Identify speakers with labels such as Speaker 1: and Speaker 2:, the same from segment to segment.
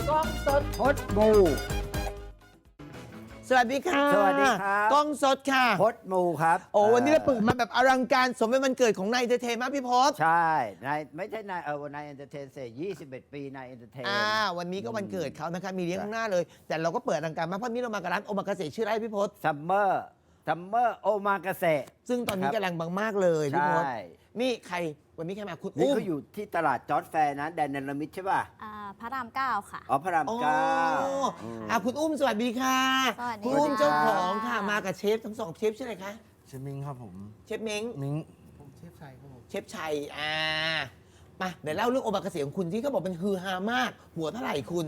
Speaker 1: กล้องสด
Speaker 2: พดมู
Speaker 1: สวัสดีค่ะ
Speaker 2: สวัสดีครับ
Speaker 1: กล้องสดค่ะ
Speaker 2: พดมูครับ
Speaker 1: โอ้วันนี้เราเปิดมาแบบอลังการสมเป็นวันเกิดของนายเอนเตอร์เทนมากพี่พศ
Speaker 2: ใช่นายไม่ใช่นายนายเอนเตอร์เทนเสร็จ21 ปีนายเอนเตอร์เทน
Speaker 1: วันนี้ก็วันเกิดเขานะคะมีเลี้ยงข้างหน้าเลย แต่เราก็เปิดอลังการมากเพราะนี้เรามากับร้านโอมากาเสะชื่ออะไรพี่พศ
Speaker 2: ซัมเมอร์โอมากาเสะ
Speaker 1: ซึ่งตอนนี้กำลังบังมากเลยพี่พศ
Speaker 2: ใช่
Speaker 1: นี่ใครวันนี้ใครมาคุณ
Speaker 2: นี่
Speaker 1: อุ้ม
Speaker 2: เขาอยู่ที่ตลาดจอร์จแฟร์นะแดนเนลมิดใช่ป่ะ
Speaker 3: พระรามเก้าค่ะ
Speaker 2: อ๋อพระราม
Speaker 1: อ๋อ
Speaker 2: เก้า
Speaker 1: คุณอุ้มสวัสดีค่ะ
Speaker 3: สวัสดี
Speaker 1: คุณอุ้ม
Speaker 3: ค่ะ
Speaker 1: เจ้าของค่ะมากับเชฟทั้งสองเชฟชื่ออะไรคะ
Speaker 4: เชฟมิงครับผม
Speaker 1: เชฟเม้ง
Speaker 4: มิง
Speaker 1: เชฟชัยมาเดี๋ยวเล่าเรื่องโอมากาเสะของคุณที่เขาบอกเป็นฮือฮามาก หัวเท่าไหร่คุณ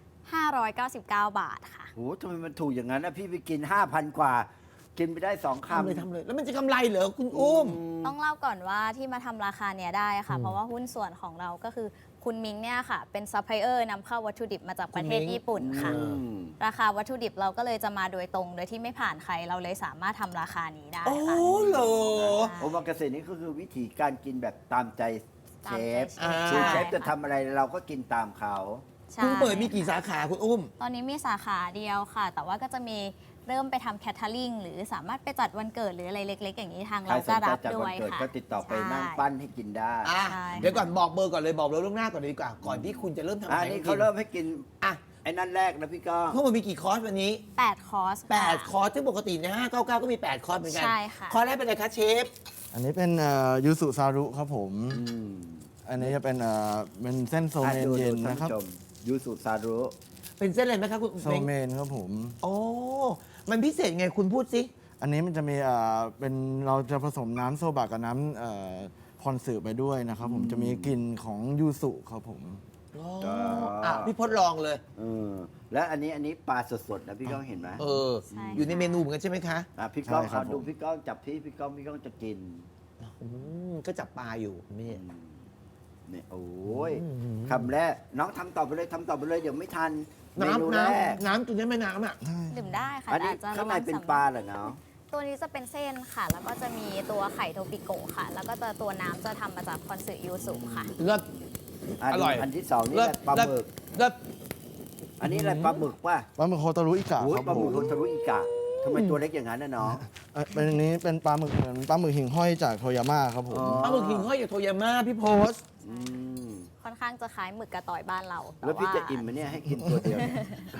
Speaker 3: 599 บาทค่ะ
Speaker 2: โหทำไมมันถูกอย่างนั้นนะพี่ไปกิน 5,000 กว่า กินไปได้ 2
Speaker 1: ทำ
Speaker 2: คำ
Speaker 1: เลยทำเลย แล้วมันจะกำไรเหรอคุณอุ้ม
Speaker 3: ต้องเล่าก่อนว่าที่มาทำราคาเนี้ยได้ค่ะ เพราะว่าหุ้นส่วนของเราก็คือคุณมิงเนี่ยค่ะ เป็นซัพพลายเออร์นำเข้าวัตถุดิบมาจากประเทศ
Speaker 1: คุณมิง
Speaker 3: ญี่ปุ่นค่ะ
Speaker 2: อืม
Speaker 3: ราคาวัตถุดิบเราก็เลยจะมาโดยตรง โดยที่ไม่ผ่านใครเราเลยสามารถทำราคานี้ได้
Speaker 1: โอ้
Speaker 3: ค่ะ
Speaker 1: เหรอ
Speaker 2: โอมากาเสะนี่ก็คือวิธีการกินแบบตามใจเชฟ
Speaker 3: ตามใจเชฟ
Speaker 2: คือเชฟ
Speaker 3: ใช่
Speaker 2: จะทำอะไรเราก็กินตามเขา
Speaker 3: ใช่
Speaker 1: คุณเปิดมีกี่สาขาคุณอุ้ม
Speaker 3: ตอนนี้มีสาขาเดียวค่ะ แต่ว่าก็จะมีเริ่มไปทำแคทเทอริงหรือสามารถไปจัดวันเกิดหรืออะไรเล็ก ๆ อย่างนี้ทาง
Speaker 2: ใคร
Speaker 3: เรา
Speaker 2: ส
Speaker 3: ก็
Speaker 2: นใจ
Speaker 3: รับ
Speaker 2: จัด
Speaker 3: ด้
Speaker 2: วั
Speaker 3: วน ย
Speaker 2: เกิด
Speaker 3: ค่ะ
Speaker 2: ก็ติดต่อไป
Speaker 3: ใช่
Speaker 2: นั่งปั้นให้กินได้
Speaker 3: ใช่
Speaker 1: เดี๋ยวก่อนบอกเบอร์ก่อนเลยบอกเราล่วงหน้าก่อนเลยดีกว่า ก่อนที่คุณจะเริ่มทำอา
Speaker 2: อั
Speaker 1: หาน ร
Speaker 2: นี้
Speaker 1: ให้
Speaker 2: เขา
Speaker 1: กิน
Speaker 2: เริ่มให้กิน
Speaker 1: อ่ะ
Speaker 2: ไอ้นั่นแรกนะพี่ก้อง
Speaker 1: ทั้งหมดมีกี่คอร์สวันนี้
Speaker 3: 8 คอร์สค่ะ
Speaker 1: 8 คอร์สซึ่งปกติใน599ก็มี 8 คอร์สเหมือนกั
Speaker 3: ใช่ค่ะ
Speaker 1: คอร์สแรกเป็นอะไรคะเชฟ
Speaker 4: อันนี้เป็นยูสุซารุครับผม
Speaker 2: อืม
Speaker 4: อันนี้จะเป็นเส้นโซเมนเย็นนะครับ
Speaker 2: ท่าผู้ชมยูสุซารุ
Speaker 1: เป็นเส้นอะไรไหมครับคุณ
Speaker 4: โซเมนครับผม
Speaker 1: โอ้มันพิเศษไงคุณพูดสิ
Speaker 4: อันนี้มันจะมีเป็นเราจะผสมน้ำโซบะกับน้ำพรสืบไปด้วยนะครับผมจะมีกลิ่นของยูสุครับผม
Speaker 1: พี่พศลองเลย
Speaker 2: เออแล้วอันนี้ปลาสดๆนะพี่ก้องเห็นไหม
Speaker 3: ใช่
Speaker 1: อยู่ในเมนูเหมือนกันใช่ไหมคะ
Speaker 2: พี่ก้อง
Speaker 4: ใช่ครับ
Speaker 2: เอาดู
Speaker 4: ผม
Speaker 2: พี่ก้องจับพี่ก้องจะกิน
Speaker 1: ก็จับปลาอยู่นี่
Speaker 2: เนี่ยโอ้ยคำแรกน้องทำต่อไปเลยเดี๋ยวไม่ทันเมนู
Speaker 1: น้ำ
Speaker 2: แรก
Speaker 1: น้ำกินได้ไหมน้ำอ่ะ
Speaker 3: ดื่มได้ค่ะ
Speaker 2: อันนี้
Speaker 3: แต่จะ
Speaker 2: ข้างใน
Speaker 3: ระวั
Speaker 2: เป็น
Speaker 3: สำ
Speaker 2: ปลาเหรอเนาะ
Speaker 3: ตัวนี้จะเป็นเส้นค่ะ แล้วก็จะมีตัวไข่โทปิโกะค่ะ แล้วก็ตัวน้ำจะทำมาจากคอนสึยูสุค่ะ
Speaker 1: เลิศ อร่อย
Speaker 2: อันที่สองนี่
Speaker 1: เลิ
Speaker 2: แห
Speaker 1: ศ
Speaker 2: ละปลาหมึก
Speaker 1: เลิศ
Speaker 2: อันนี้อะไรปลาหมึกป่ะ
Speaker 4: ปลาหมึกโคตารุอิกะ
Speaker 2: โอ้ย
Speaker 4: ครับ
Speaker 2: ปลาห
Speaker 4: ผ
Speaker 2: มึก
Speaker 4: ม
Speaker 2: โรทารุอิกะทำไมตัวเล็กอย่างนั้นนะน้อง
Speaker 4: เป็นอันนี้เป็นปลาหมึกเหมือนปลาหมึกหิ่งห้อยจากโทยาม่าครับผม
Speaker 2: อ๋อ
Speaker 1: ปลาหมึกหิ่งห้อยจากโทยาม่าพี่โพสต์
Speaker 2: อืม
Speaker 3: ค่อนข้างจะคล้ายหมึกกระต่อยบ้านเราต่
Speaker 2: แล้วพี่จะอิ่มไหมเนี่ยให้กินตัวเดียวเนี่ย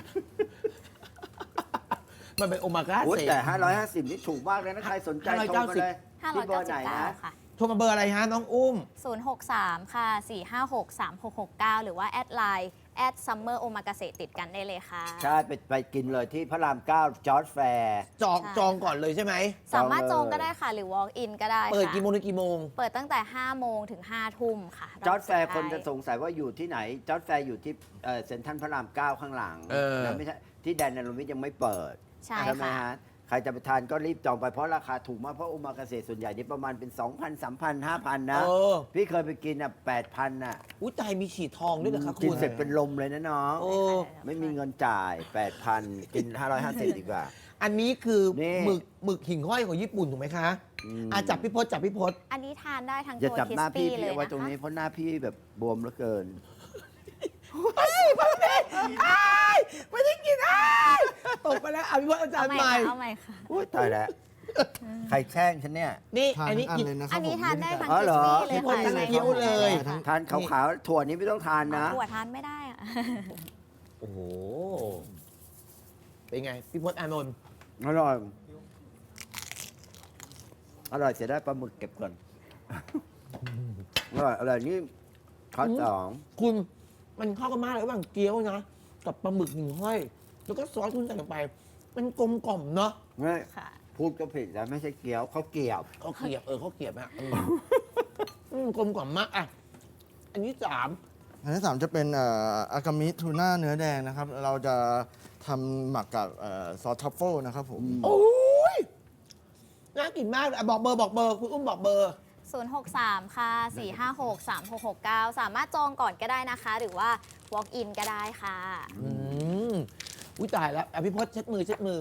Speaker 1: มันเป็นโอมากา
Speaker 2: โอ้ย
Speaker 1: เสะ
Speaker 2: แต่ 550 นี่ถูกมากเลยนะ ใครสนใจโทรมาเลยที่เบอร์ไหนนะ
Speaker 3: 599 ค่ะ
Speaker 1: โทรมาเบอร์อะไรฮะน้องอุ้ม
Speaker 3: 063 ค่ะ 456 3669 หรือว่าแอดไลน์ซัมเมอร์โอมากาเสติดกันได้เลยค่ะ
Speaker 2: ใช่ไปกินเลยที่พระราม 9 จอร์จแฟร์
Speaker 3: ใช่
Speaker 1: จองก่อนเลยใช่ไหม
Speaker 3: สามารถ
Speaker 2: จ
Speaker 3: จ
Speaker 2: อ
Speaker 3: อง ง
Speaker 2: เลย
Speaker 3: ก็ได้ค่ะ หรือ walk in ก็ได้
Speaker 1: เปิด
Speaker 3: ค่ะ
Speaker 1: กี่โมงถึงกี่โมง
Speaker 3: เปิดตั้งแต่ 5 โมงถึง 5 ทุ่มค่ะ
Speaker 2: จอร์จแฟร์
Speaker 3: สุด
Speaker 2: คน
Speaker 3: ท้าย
Speaker 2: จะสงสัยว่าอยู่ที่ไหน จอร์จแฟร์อยู่ที่เซ็นทรัลพระราม 9 ข้างหลัง
Speaker 1: เออ
Speaker 2: นะไม่ใช่ที่แดนนารุมิตยังไม่เปิด
Speaker 3: ใช่
Speaker 2: ไหม
Speaker 3: ค่ะ
Speaker 2: ฮะใครจะไปทานก็รีบจองไปเพราะราคาถูกมาก เพราะโอมากาเสะส่วนใหญ่นี่ประมาณเป็น 2,000 3,000 5,000 นะ
Speaker 1: เออ
Speaker 2: พี่เคยไปกินอ่ะ 8,000 น่ะ
Speaker 1: อุ้ยตายมีฉีดทองด้วยเหรอคะ
Speaker 2: กิ
Speaker 1: คุ
Speaker 2: น
Speaker 1: ณ
Speaker 2: เสร็จเป็นลมเลยนะน้อง
Speaker 1: โอ้
Speaker 2: ไม่มีเงินจ่าย 8,000 กิน 550 ดีกว่า
Speaker 1: อันนี้คือ
Speaker 2: นี่
Speaker 1: หมึกหิ่งห้อยของญี่ปุ่นถูกไหมคะ จับพี่พศจับพี่พศ
Speaker 3: อันนี้ทานได้ทั้ง
Speaker 2: อย่า
Speaker 3: ตัว
Speaker 2: จับ
Speaker 3: คิ
Speaker 2: ห
Speaker 3: ส
Speaker 2: น้าพี่
Speaker 3: ปี้เล
Speaker 2: พี่
Speaker 3: ย
Speaker 2: เอาไว้
Speaker 3: นะ
Speaker 2: ตรงนี้
Speaker 3: คะ
Speaker 2: เพราะหน้าพี่แบบบวมเหลือเกิน
Speaker 1: ไม่ได้กินตกไปแล้วพี่พศอาจาร
Speaker 3: เอา
Speaker 1: ย์
Speaker 3: ให
Speaker 1: ให
Speaker 3: ม่
Speaker 1: ม่
Speaker 3: ค่ะเอาใหม่ค่ะ
Speaker 2: อุ้ยตายแล้ว ใครแช่งฉันเนี่ย
Speaker 1: นี่
Speaker 4: ทาน
Speaker 1: อันนี้
Speaker 4: ทั้งอัน
Speaker 1: กิน
Speaker 4: เลยนะค
Speaker 3: อั
Speaker 4: รับ
Speaker 3: นนี้
Speaker 4: ผม
Speaker 3: ทานได้ทั้ง
Speaker 2: อ๋อ
Speaker 3: คิ
Speaker 2: เหร
Speaker 3: ส
Speaker 2: อ
Speaker 3: ปี้เลย
Speaker 1: พี่พล
Speaker 3: ค่ะ
Speaker 1: ทานเคี้ยวเลย
Speaker 2: ทานขาวๆถั่วนี้ไม่ต้องทานนะ
Speaker 3: ถั่วทานไม่ได้อะ
Speaker 1: โอ้โห เป็นไง พี่พศอานนท์
Speaker 2: อร่อย อร่อยเสียได้ปลาหมึกเก็บก่อน อร่อยนี่ข้อสอง
Speaker 1: คุณมันเข้ากันมากเลยระหว่างเกี๊ยวนะ กับปลาหมึกหิ่งห้อย แล้วก็ซอสคุณใส่ลงไป มันกลมกล่อมเนาะ
Speaker 2: ไม่
Speaker 3: ค่ะ
Speaker 2: พูดก็ผิดแล้วไม่ใช่เกี๊ยวเขาเกี๊ยว
Speaker 1: เขาเกลียบเขาเกลียบอะกลมกล่อมมากอ่ะ อันนี้3
Speaker 4: อันที่สามจะเป็นอากามิทูน่าเนื้อแดงนะครับ เราจะทำหมักกับซอสทัฟเฟิลนะครับผม
Speaker 1: โอ้ยน่ากินมากเลยอ่ะบอกเบอร์คุณอุ้มบอกเบอร์
Speaker 3: 063 ค่ะ 456 3669 สามารถจองก่อนก็ได้นะคะ หรือว่า walk in ก็ได้ค่ะ
Speaker 1: อุ้ยตายแล้วอ่ะพี่พศเช็ดมือ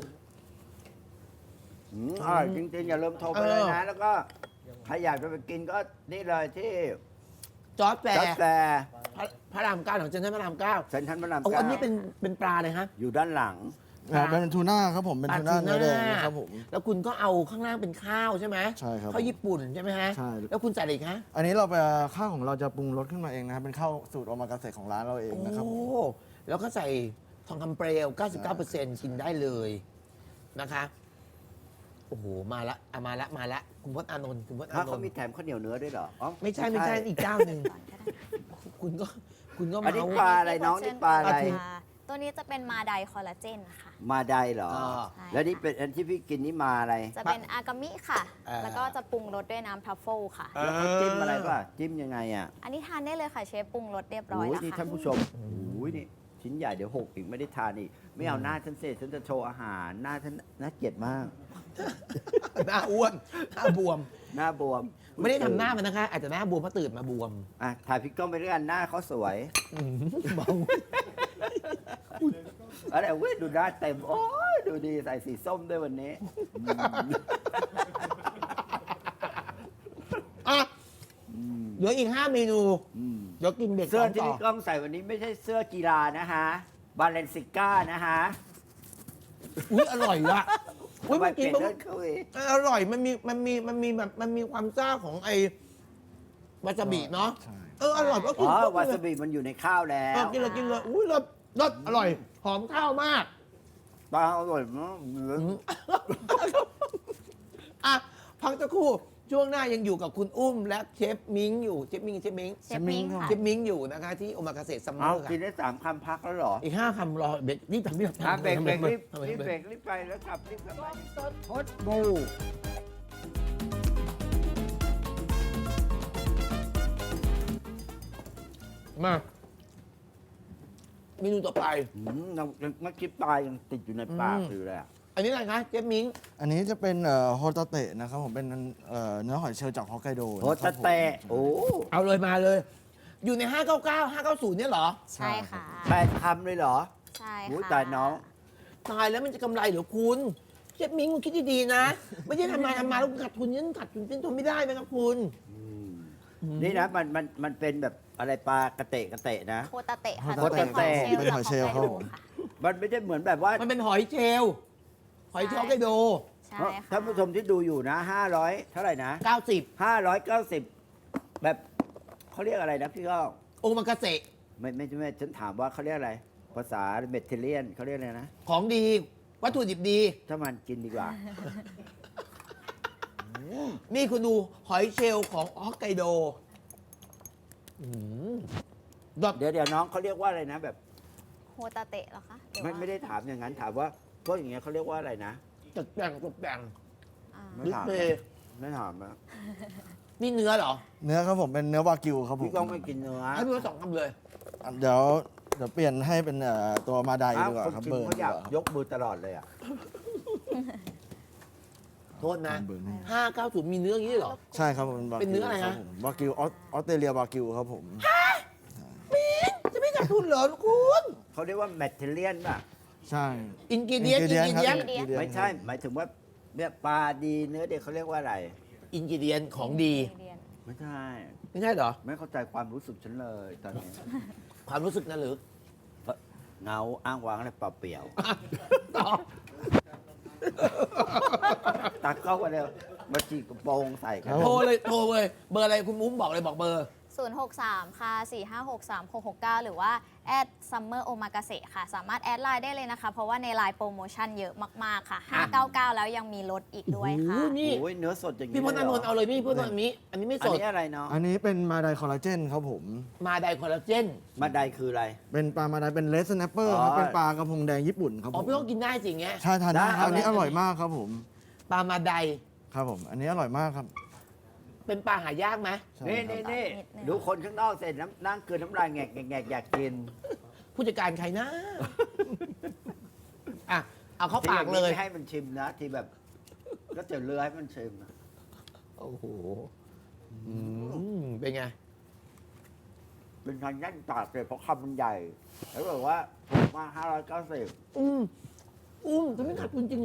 Speaker 2: อร่อยจริงๆ อย่าลืมโทรไปเลยนะ แล้วก็ใครอยากจะไปกินก็นี่เลยที่
Speaker 1: จอร์จแฟ
Speaker 2: จอร์จ
Speaker 1: ร์
Speaker 2: แฟร์
Speaker 1: พระรามเก้าของเซ็นทรัลพระรามเก้า
Speaker 2: เซ็นทรัลพระราม
Speaker 1: โอ้
Speaker 2: เก้า
Speaker 1: อันนี้เป็นปลาเลยฮะ
Speaker 2: อยู่ด้านหลัง
Speaker 4: เป็นทูน่าครับผมเป็นทูน่าเนื้อแดงนะครับผม
Speaker 1: แล้วคุณก็เอาข้างล่างเป็นข้าวใช่ไหม
Speaker 4: ใช่ครับ
Speaker 1: ข้าวญี่ปุ่นใช่ไหมฮะ
Speaker 4: ใช่
Speaker 1: แล้วคุณใส่อะไรอีกฮะ
Speaker 4: อันนี้เราไปข้าวของเราจะปรุงรสขึ้นมาเองนะครับเป็นข้าวสูตรโอมากาเสะของร้านเราเองนะครับ
Speaker 1: โอ้แล้วก็ใส่ทองคำเปลว 99%กินได้เลยนะคะโอ้โหมาละอ่ะมาละคุณพจน์อานนท์คุณพจน์อา
Speaker 2: ถ้าน เขา
Speaker 1: นท์
Speaker 2: มีแถมข้าวเหนียวเนื้อด้วยเหรออ๋อ
Speaker 1: ไม่ใช่อีกเจ้าหนึ่งคุณก็
Speaker 2: อันนี้
Speaker 1: เมา
Speaker 2: ปลาอะไรน้องนี่ปลาอะไร
Speaker 3: ตัวนี้จะเป็นมาไดคอลลาเจนค่ะ
Speaker 2: มาไดเหรอ
Speaker 3: ใช่
Speaker 2: แล้วนี่เป็นอันที่พี่กินนี่มาอะไร
Speaker 3: จะเป็นอากามิค่ะ แล้วก็จะปรุงรสด้วยน้ำทัฟเฟิลค่ะ
Speaker 2: แล้วเขาจิ้มอะไรป่ะ จิ้มยังไงอ่ะ
Speaker 3: อันนี้ทานได้เลยค่ะเชฟปรุงรสเรียบร้อย
Speaker 2: โอ้ย
Speaker 3: แล้ว
Speaker 2: นี่
Speaker 3: ค่ะ
Speaker 2: ท่านผู้ชมโอ้ยนี่ชิ้นใหญ่เดี๋ยวหกอีกไม่ได้ทานอีก ไม่เอาหน้าฉันเสร็จฉันจะโชว์อาหาร หน้าฉันน่าเกลียดมาก
Speaker 1: หน้าอ้วนหน้าบวม
Speaker 2: หน้าบวม
Speaker 1: ไม่ได้ทำหน้ามันนะคะ อาจจะหน้าบวมเพราะตื่นมาบวม
Speaker 2: อ่ะถ่ายพี่ก้องไปด้วยกันหน้าเขาสวย
Speaker 1: เมา
Speaker 2: อะไรเว้ยดูหน้าเต็ม โอ้ยดูดีใส่สีส้มด้วยวันนี้
Speaker 1: อ่ะเหลืออีก 5 เมนู
Speaker 2: อืม
Speaker 1: เดี๋ยวกินเบรก
Speaker 2: เสื้อ
Speaker 1: สอง
Speaker 2: ที่
Speaker 1: ต่อ
Speaker 2: พี่ก้องใส่วันนี้ไม่ใช่เสื้อกีฬานะฮะ บาเลนซิก้านะฮะ
Speaker 1: อุ้ยอร่อยละอุ้ย
Speaker 2: ทำไม
Speaker 1: มัน
Speaker 2: เป
Speaker 1: กิน
Speaker 2: ลี่ยน
Speaker 1: ปุ๊บ
Speaker 2: เรื่องเขาเอง
Speaker 1: อร่อยมันมีแบบมันมีความซ่าของไอ้วาซาบิเนาะ
Speaker 4: ใช่
Speaker 1: อร่อยก็กิ
Speaker 2: อ๋
Speaker 1: น
Speaker 2: อ
Speaker 1: ปุ๊บ
Speaker 2: วา
Speaker 1: เล
Speaker 2: ซาย บิมันอยู่ในข้าวแล้
Speaker 1: กิน
Speaker 2: ว
Speaker 1: เลยอุ้ยรสอร่อยหอมข้าวมาก
Speaker 2: ปลาอร่อยมาก
Speaker 1: อ่ะพักสักครู่ช่วงหน้ายังอยู่กับคุณอุ้มและเชฟมิงอยู่เชฟมิง
Speaker 3: เชฟมิ้งค่ะ
Speaker 1: เชฟมิงอยู่นะคะที่โอมากาเสะซัมเม
Speaker 2: เอา
Speaker 1: อร์ค่ะ
Speaker 2: กินได้3 คำพักแล้วเหรอ
Speaker 1: อีก 5 คำรอเบรกรีบทำรีบ
Speaker 2: อ่ะ
Speaker 1: ทำ
Speaker 2: เบรกเบรกรีบ
Speaker 1: ทำไม
Speaker 2: รีบ
Speaker 1: ทำไม
Speaker 2: เบรกรีบไปแล้วกลับรีบกลับมาพดบู
Speaker 1: มาเมนูต่อไป
Speaker 2: ยังเมื่อกี้ปลายังติดอยู่ในปากอยู่เลยอะ
Speaker 1: อันนี้อะไรคะเชฟมิง
Speaker 4: อันนี้จะเป็นโฮตาเตะนะครับผมเป็นเนื้อหอยเชลล์จากฮอกไกโด
Speaker 2: โหตะเตะโอ้
Speaker 1: เอาเลยมาเลย อยู่ใน 599 590 เนี่ยเหรอ
Speaker 3: ใช่ค่ะ
Speaker 2: 8 คำเลยเหรอ
Speaker 3: ใช่
Speaker 2: โอ้ย
Speaker 3: ค่ะ
Speaker 2: ตายน้อง
Speaker 1: ตายแล้วมันจะกำไรเหรอคุณเชฟมิงคุณคิดดีๆนะ ไม่ใช่ทำมาแล้วขาดทุนยันขาดทุนทนไม่ได้นะครับคุณ
Speaker 2: นี่นะมันเป็นแบบอะไรปลากระเตะนะ
Speaker 3: โคตาเตะค่ะ
Speaker 2: โคตาเตะ
Speaker 3: เป็นหอยเชลล์จากฮอกไกโดค่ะ
Speaker 2: มันไม่ได้เหมือนแบบว่า
Speaker 1: มันเป็นหอยเชลล์หอยเชลล์ฮอกไกโด
Speaker 3: ใช่ค่ะ
Speaker 2: ท่านผู้ชมที่ดูอยู่นะ 500 เท่าไหร่นะ
Speaker 1: 90
Speaker 2: 590 แบบเขาเรียกอะไรนะพี่ก้อง
Speaker 1: โอมากาเสะ
Speaker 2: ไม่ฉันถามว่าเขาเรียกอะไร ภาษาเมดิเตอร์เรเนียนเขาเรียกอะไรนะ
Speaker 1: ของดี วัตถุดิบดี
Speaker 2: ถ้ามันกินดีกว่า
Speaker 1: นี่คุณดูหอยเชลล์ของฮอกไกโดดอก
Speaker 2: เดี๋ยวน้องเขาเรียกว่าอะไรนะ แบบ
Speaker 3: โคตาเตะเหรอคะหรือ
Speaker 2: ไม่
Speaker 3: ว่า
Speaker 2: ไม่ได้ถามอย่างนั้นถามว่าพวกอย่างเงี้ยเขาเรียกว่าอะไรนะ
Speaker 1: ตกแต่ง
Speaker 3: อ่า
Speaker 2: ไม่
Speaker 1: ดิส
Speaker 2: ถาม
Speaker 1: เพลย์
Speaker 2: ไม่ถามนะ
Speaker 1: นี่เนื้อเหรอ
Speaker 4: เนื้อครับผมเป็นเนื้อวากิวครับผม
Speaker 2: พี่ก้องไม่กินเนื้อ
Speaker 1: ให้พี่ว่า2 คำเลย
Speaker 4: เดี๋ยวเปลี่ยนให้เป็นตัวมาได
Speaker 2: อ้าว
Speaker 4: ดีกว่า
Speaker 2: คน
Speaker 4: ครับ
Speaker 2: กิน
Speaker 4: เบิร์น
Speaker 2: เขา
Speaker 4: ดี
Speaker 2: อยาก
Speaker 4: กว่าครับ
Speaker 2: ยกมือตลอดเลยอ่ะ
Speaker 1: โทษนะ
Speaker 4: เบิร์นให้
Speaker 1: 590 มีเนื้ออย่างนี้เหรอ
Speaker 4: ใช่ครับผมวากิว
Speaker 1: เป็นเนื้ออะไรฮะ
Speaker 4: คบผมวากิวออสเตรเลียวากิวครับผม
Speaker 1: จะไม่ขาดทุนเหรอคุณ
Speaker 2: เขาเรียกว่าเมดเทเรียนป่ะ
Speaker 4: ใช่
Speaker 1: อินกิเดียน
Speaker 4: ingredient ครับ
Speaker 3: ingredient
Speaker 2: ไม่ใช่ หมายถึงว่าเนี่ยปลาดีเนื้อเด็กเขาเรียกว่าอะไร
Speaker 1: อินกิเดียนของดี
Speaker 2: ไม่ใช่
Speaker 1: ไม่ใช่เหรอ
Speaker 2: ไม่เข้าใจความรู้สึกฉันเลยตอนนี้
Speaker 1: ความรู้สึกนะหรือ
Speaker 2: เงาอ้างว้างอะไรเปล่าเปลี่ยว
Speaker 1: ต่อ
Speaker 2: ตักเข้ามาเร็วมาจีกกระโปรงใส่กัน
Speaker 1: โทรเลย เบอร์อะไรคุณมุ้มบอกเลยบอกเบอร์
Speaker 3: 063 ค่ะ 4563669 หรือว่าแอดซัมเมอร์โอมากาเสะค่ะ สามารถแอดไลน์ได้เลยนะคะ เพราะว่าในไลน์โปรโมชั่นเยอะมาก ๆ ค่ะ 599 แล้วยังมีลดอีกด้วยค่ะ
Speaker 1: โอ้โหนี่
Speaker 2: โอ้ยเนื้อสดอย่างนี้
Speaker 1: พี่พจน์อานนท์เอาเลยพี่พจน์อานนท์อันนี้ไม่
Speaker 2: อั
Speaker 1: ส
Speaker 2: น
Speaker 1: ด
Speaker 2: นี้อะไรเนาะ
Speaker 4: อันนี้เป็นมาไดคอลลาเจนครับผม
Speaker 1: มาไดคอลลาเจน
Speaker 2: มาไดคืออะไร
Speaker 4: เป็นปลามาไดเป็นเลสแนปเปอร์
Speaker 2: อ๋อ
Speaker 4: ครับเป็นปลากระพงแดงญี่ปุ่นครับ
Speaker 1: อ๋
Speaker 4: ผ
Speaker 1: อ
Speaker 4: ม
Speaker 1: พี่ต้องกินได้จริงเงี้ย
Speaker 4: ใช่ทานได้
Speaker 2: ได้
Speaker 4: ครับอันนี้อร่อยมากครับผม
Speaker 1: ปลามาได
Speaker 4: ครับผม อันนี้อร่อยมากครับ
Speaker 1: เป็นปลาหายากไหม
Speaker 4: ใช่
Speaker 2: นี่
Speaker 4: ครับ
Speaker 2: นี่
Speaker 3: นิดนึง
Speaker 2: ดูคนข้างนอกเสร็จนั่งเกินน้ำลายแงกแงกอยากกิน
Speaker 1: ผู้จัดการใครนะ อ่ะ เอาเข้าปากเลย
Speaker 2: ที่ไม่ให้มันชิมนะ ที่แบบ ก็จะเลือให้มันชิมนะ
Speaker 1: โอ้โหเป็นไง
Speaker 2: เป็นทางย่านปากเลยเพราะคำมันใหญ่ แล้วบอกว่าถูกมาก590
Speaker 1: จะไม่ขาดทุนจริงเหรอ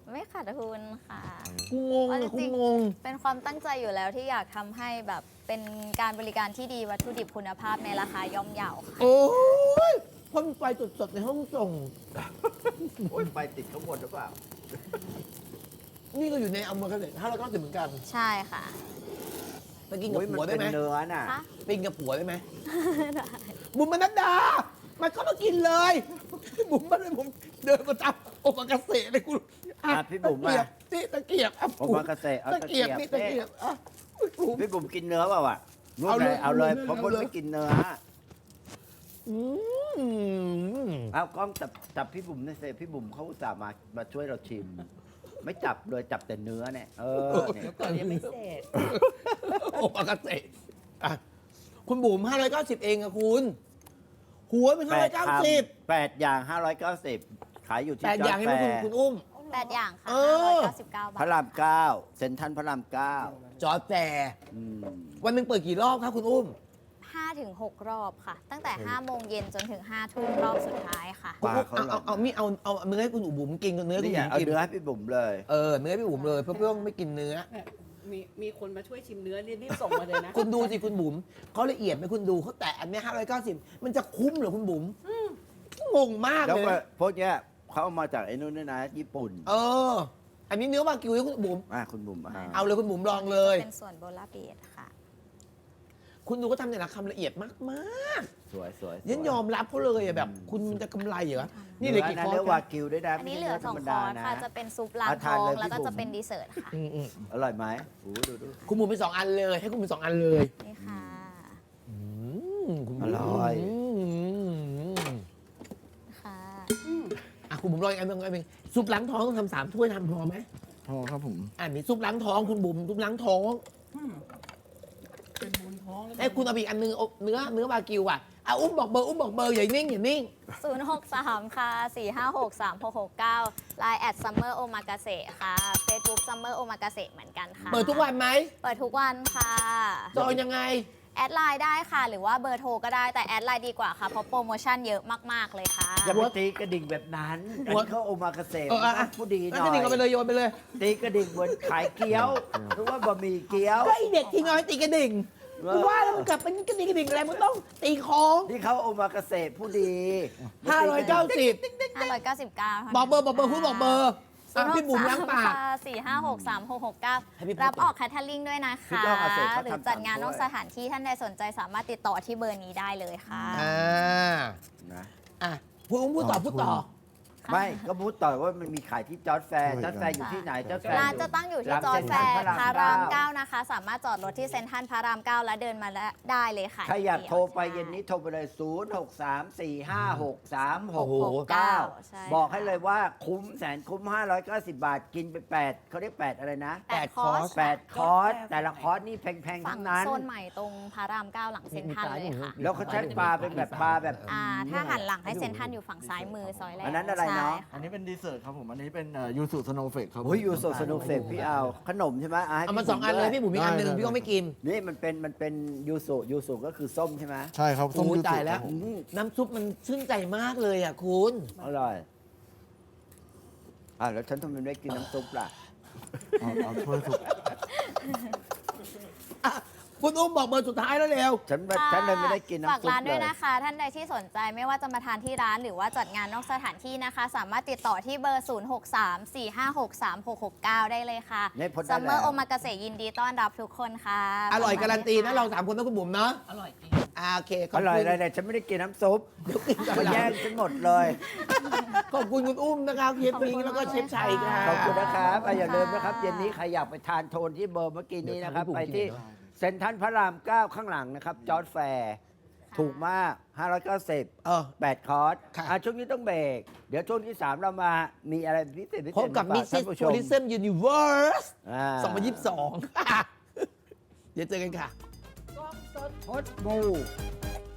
Speaker 3: ไม่ขาดทุนค่ะ
Speaker 1: กูงง
Speaker 3: เอาจ
Speaker 1: อะ
Speaker 3: ริ
Speaker 1: กู
Speaker 3: ง
Speaker 1: งง
Speaker 3: เป็นความตั้งใจอยู่แล้วที่อยากทำให้แบบเป็นการบริการที่ดีวัตถุดิบคุณภาพในราคาย่อมเยาค่ะ
Speaker 1: โอ้ยพ่นไฟสดๆในห้องส่ง
Speaker 2: โอ้ยไปติดข้างบนหรือเปล่า
Speaker 1: นี่ก็อยู่ในอเมริกาเลย590เหมือนกัน
Speaker 3: ใช่ค่ะ
Speaker 1: ไปกินกับ
Speaker 2: โอ้ยมัน
Speaker 1: ผัวได้
Speaker 2: เป็น
Speaker 1: ไหม
Speaker 2: เนื้อน่ะ
Speaker 3: คะ
Speaker 1: ไปกินกับผัวได้ไหมบุ๋มมนัดดา มันก็มากินเลย บุ๋มมาเลยผมเดินมาจับโอมากาเสะเลยคุณ
Speaker 2: อ่ะพี่บุ๋ม
Speaker 1: ตะเกียบ
Speaker 2: อ่ะ
Speaker 1: นี่ตะเกียบอ่ะ
Speaker 2: โอมากาเสะเอา
Speaker 1: ตะเกียบ
Speaker 2: ตะ
Speaker 1: นี่
Speaker 2: เกี
Speaker 1: ตะ
Speaker 2: ยบ
Speaker 1: เกียบอ่ะอุ๊ยบุ๋ม
Speaker 2: พี่บุ๋มกินเนื้อเปล่าอ่ะนู่น
Speaker 1: เอา
Speaker 2: เล
Speaker 1: เลย
Speaker 2: ยเอาเลย
Speaker 1: เอาเลย
Speaker 2: เพราะคน
Speaker 1: เอาเลย
Speaker 2: ไม่กินเนื้อ
Speaker 1: อืม
Speaker 2: เอากล้องจับพี่บุ๋มในอยเซพี่บุ๋มเขาอุตส่าห์มาช่วยเราชิม ไม่จับเลยจับแต่เนื้อเนี่ยเนี่ย
Speaker 5: ก่อนยังไม่เสร็จ
Speaker 1: โอมากาเสะอ่ะคุณบุ๋ม590เองอะคุณ หัวเป็น 590
Speaker 2: 8 อย่าง 590 ขายอยู่ที่
Speaker 1: แต่อย่าง
Speaker 2: จ
Speaker 1: นี้
Speaker 2: อ
Speaker 1: ไหม
Speaker 2: ร์จ
Speaker 1: คุณ
Speaker 2: แฟร์
Speaker 1: คุณอุ้ม
Speaker 3: 8 อย่างค่ะ
Speaker 1: เออ
Speaker 3: 599 บา
Speaker 2: พระ
Speaker 3: ท
Speaker 2: รามเก้าเซ็นทรัลพระรามเก้า
Speaker 1: จอร์จแฟร์
Speaker 2: อืม
Speaker 1: วันหนึ่งเปิดกี่รอบครับคุณอุ้ม
Speaker 3: 5 ถึง 6 รอบค่ะ ตั้งแต่ 5 โมงเย็นจนถึง 5 ทุ่มรอบสุดท้ายค่ะ
Speaker 2: ปลาเขาหลอก
Speaker 1: เอาเนื้อให้คุณบุ๋มกินกับเนื้อคุณ
Speaker 2: นี่
Speaker 1: บุ๋ม
Speaker 2: เอา
Speaker 1: กิน
Speaker 2: เนื้อให้พี่บุ๋มเลย
Speaker 1: เนื้อพี่บุ๋มเลยเพราะพี่ต้องไม่กินเนื้อ
Speaker 5: มีคนมาช่วยชิมเนื้อรีบส่งมาเลยนะ
Speaker 1: คุณดูสิคุณบุ๋มเขาละเอียดไหมคุณดูเขาแตะอันเนี้ย590 มันจะคุ้มเหรอคุณบุ๋มงงมาก
Speaker 2: แล้ว
Speaker 1: เลย
Speaker 2: ก็
Speaker 1: นะ
Speaker 2: พวกเนี้ยเขาเอามาจากไอ้นู่นด้วยนะ ญี่ปุ่น
Speaker 1: อันนี้เนื้อวากิวให้คุณบุ๋ม
Speaker 2: คุณบุ๋ม
Speaker 1: เอาเลยคุณบุ๋มลองเลย
Speaker 3: เป็นส่วนโบราเบดค่ะ
Speaker 1: คุณดูก็ทำแต่ละคำละเอียดมาก
Speaker 2: สวยสวย
Speaker 1: ๆยันยอมรับเขาเลยอะแบบ คุณจะกำไรเหรอนี่เลยกี่คอร์
Speaker 2: เนื้อ
Speaker 1: ส
Speaker 2: วากิวด้วยนะ
Speaker 3: อันนี้เหลือ
Speaker 2: ไม่ใช่
Speaker 3: 2
Speaker 2: นื้
Speaker 3: คอร์สค่ะ จะเป็นซุปล้าง
Speaker 2: เอา
Speaker 3: ท้
Speaker 2: ทาน
Speaker 3: อง
Speaker 2: เลย
Speaker 3: แล้วก็
Speaker 2: พี่บุ๋ม
Speaker 3: จะเป็นดีเซอร์ทค่ะ
Speaker 1: อืม
Speaker 2: อร่อยไหมโอ้ดู
Speaker 1: คุณบุ๋มเป็น2 อันเลย ให้คุณเป็น2 อันเลย
Speaker 3: นี่ค่ะ
Speaker 1: คุณบุ๋ม
Speaker 2: อร่อย
Speaker 3: ค่ะ
Speaker 1: คุณบุ๋มลองอีกอันหนึงซุปล้างท้องต้องทำ3 ถ้วยทำพอไหม
Speaker 4: พอครับผม
Speaker 1: มีซุปล้างท้องคุณบุ๋มซุปล้างท้อง
Speaker 5: เป็นบุญท้องแล้ว
Speaker 1: ไอ้คุณเอาอีกอันนึงเอาเนื้อวากิวอ่ะอุ้มบอกเบอร์อย่านิ่ง
Speaker 3: 063 ค่ะ 456 3669 Line @summer omakase ค่ะ Facebook summer omakase เหมือนกันค่ะ
Speaker 1: เปิดทุกวันไหม
Speaker 3: เปิดทุกวันค่ะ
Speaker 1: จองยังไง
Speaker 3: แอดไลน์ได้ค่ะ หรือว่าเบอร์โทรก็ได้แต่แอดไลน์ดีกว่าค่ะ เพราะโปรโมชั่นเยอะมาก ๆ เลยค่ะ
Speaker 2: อย่าไปตีกระดิ่งแบบนั้นอันนี้เขาโอมากาเสะผู้ดีหน่
Speaker 1: ก็
Speaker 2: อ
Speaker 1: ดิ่งเอาไปเลย
Speaker 2: ย
Speaker 1: โยนไปเลย
Speaker 2: ตีกระดิ่งเหมือนขายเกี๊ยวหรือว่าบะหมี่เกี๊ยว
Speaker 1: ก็ไอเด็กที่น้อยตีกระดิ่งกูว่าแล้วมันกลับเป็นกระดิ่งอะไรมันต้องตีของ
Speaker 2: ที่เขาโอมากาเสะผู้ดี
Speaker 1: 590
Speaker 3: 599
Speaker 1: บอกเบอร์คุณบอกเบอร์พี่บุ๋มล้างปาก
Speaker 3: 456
Speaker 1: ให้พี่
Speaker 3: 3669 รับออกแคทเทอริงด้วยนะคะ หรือจัดงานนอกสถานที่ท่านใดสนใจสามารถติดต่อที่เบอร์นี้ได้เลยค่ะ
Speaker 2: นะ
Speaker 1: พูดต่อ
Speaker 2: ไม่ก็พูดต่อว่ามันมีขายที่จอร์จแฟร์จอร์จแฟร์อยู่ที่ไหนจอร์จแฟร์
Speaker 3: ร้านจะตั้งอยู่ที่จอร์จแฟร์พาราม 9 นะคะ สามารถจอดรถที่เซ็นทรัลพาราม 9 แล้วเดินมาได้เลยค่ะ
Speaker 2: ใครอยากโทรไปเย็นนี้โทรไปเลย 0634563669
Speaker 3: ใช่
Speaker 2: บอกให้เลยว่าคุ้มแสนคุ้ม 590 บาทกินไป 8เขาเรียก 8 อะไรนะ
Speaker 3: 8 คอร์ส
Speaker 2: 8 คอร์ส แต่ละคอร์สนี่แพงๆ
Speaker 3: ฝั่
Speaker 2: ทั้
Speaker 3: ง
Speaker 2: งนั้น
Speaker 3: โซนใหม่ตรงพาราม 9 หลังเซ็นทรัลเลยค่ะ
Speaker 2: แล้วเขาใช้ปลาเป็นแบบปลาแบบ
Speaker 3: ถ้าหันหลังให้เซ็นทรัลอยู่ฝั่งซ้ายมือซอยแรก
Speaker 2: อันนั้นอะไรเนาะ
Speaker 3: ใช่ค่
Speaker 4: อันนี้เป็นดีเซอร์ทครับผม อันนี้เป็นยูสุสโนว์เฟกครับผม
Speaker 2: โอ้ยยูโซสนุกเฟกพี่เอาขนมใช่ไหมให้
Speaker 1: เอามา
Speaker 2: พี่
Speaker 1: 2 อันเลยพี่บุ๋มมีอันหนึ่ง
Speaker 4: ได้
Speaker 1: พี่ก็ไม่กิน
Speaker 2: นี่มันเป็นยูสุก็คือส้มใช่ไหม
Speaker 4: ใช่ครับส้ม
Speaker 1: โอ้
Speaker 4: ยูสุ
Speaker 1: ตายแล้ว
Speaker 4: ครับผม
Speaker 1: น้ำซุปมันชื่นใจมากเลยอ่ะคุณ
Speaker 2: อร่อยแล้วฉันทำไมไม่ได้กินน้ำซุปล่ะ
Speaker 4: เอาช่วยสุก
Speaker 1: คุณอุ้มบอกเบอร์สุดท้ายแล้วเร็ว
Speaker 2: ฉันเลยไม่ได้กิน
Speaker 3: ฝาก
Speaker 2: น้ำซุป
Speaker 3: ร้าน
Speaker 2: เล
Speaker 3: ด้วย
Speaker 2: ย
Speaker 3: นะคะ ท่านใดที่สนใจไม่ว่าจะมาทานที่ร้านหรือว่าจัดงานนอกสถานที่นะคะ สามารถติดต่อที่เบอร์ 0634563669 ได้เลยค่ะ
Speaker 2: เนี่ยพ้นได้
Speaker 3: ซัมเมอร์
Speaker 2: แล้ว
Speaker 3: โอมากาเสยินดีต้อนรับทุกคนค่ะ
Speaker 1: อร่อยการันตีนะเรา3 คนนะคุณบุ๋มเนาะ
Speaker 5: อร่อยจริง
Speaker 1: โอเคข
Speaker 2: อบ ร่อย
Speaker 1: คุณ
Speaker 2: อะไรเนี่ยฉันไม่ได้กินน้ำซุป
Speaker 1: เดี๋ยวกินก่อน
Speaker 2: มาแย่งฉันหมดเลย
Speaker 1: ขอบคุณคุณอุ้มนะครับเชฟปิงแล้วก็เชฟชัยครับ
Speaker 2: ขอบคุณนะครับอย่าลืมนะครับเย็นนี้ใครอยากไปทานโทนที่เบอร์เมื่อกี้นี้นะครับ
Speaker 1: เดี๋ยว
Speaker 2: ไป
Speaker 1: ทานให้ผม
Speaker 2: ที่
Speaker 1: กินหน่อย
Speaker 2: เซ็นทรัลพระราม 9 ข้างหลังนะครับจอร์จแฟร์ถูกมาก 590 8 คอร์ส
Speaker 1: ค่ะ
Speaker 2: ช่วงนี้ต้องเบรกเดี๋ยวช่วงที่ 3 เรามามีอะไรพิเศษ
Speaker 1: พบกับ
Speaker 2: มา
Speaker 1: มิ
Speaker 2: ฝา
Speaker 1: สซิส
Speaker 2: ท่านผู้
Speaker 1: โพ
Speaker 2: ชม
Speaker 1: ลิซึมยูนิเวิร์ส
Speaker 2: อ่า
Speaker 1: 2022 เดี๋ยวเจอกันค่ะ
Speaker 2: พดบู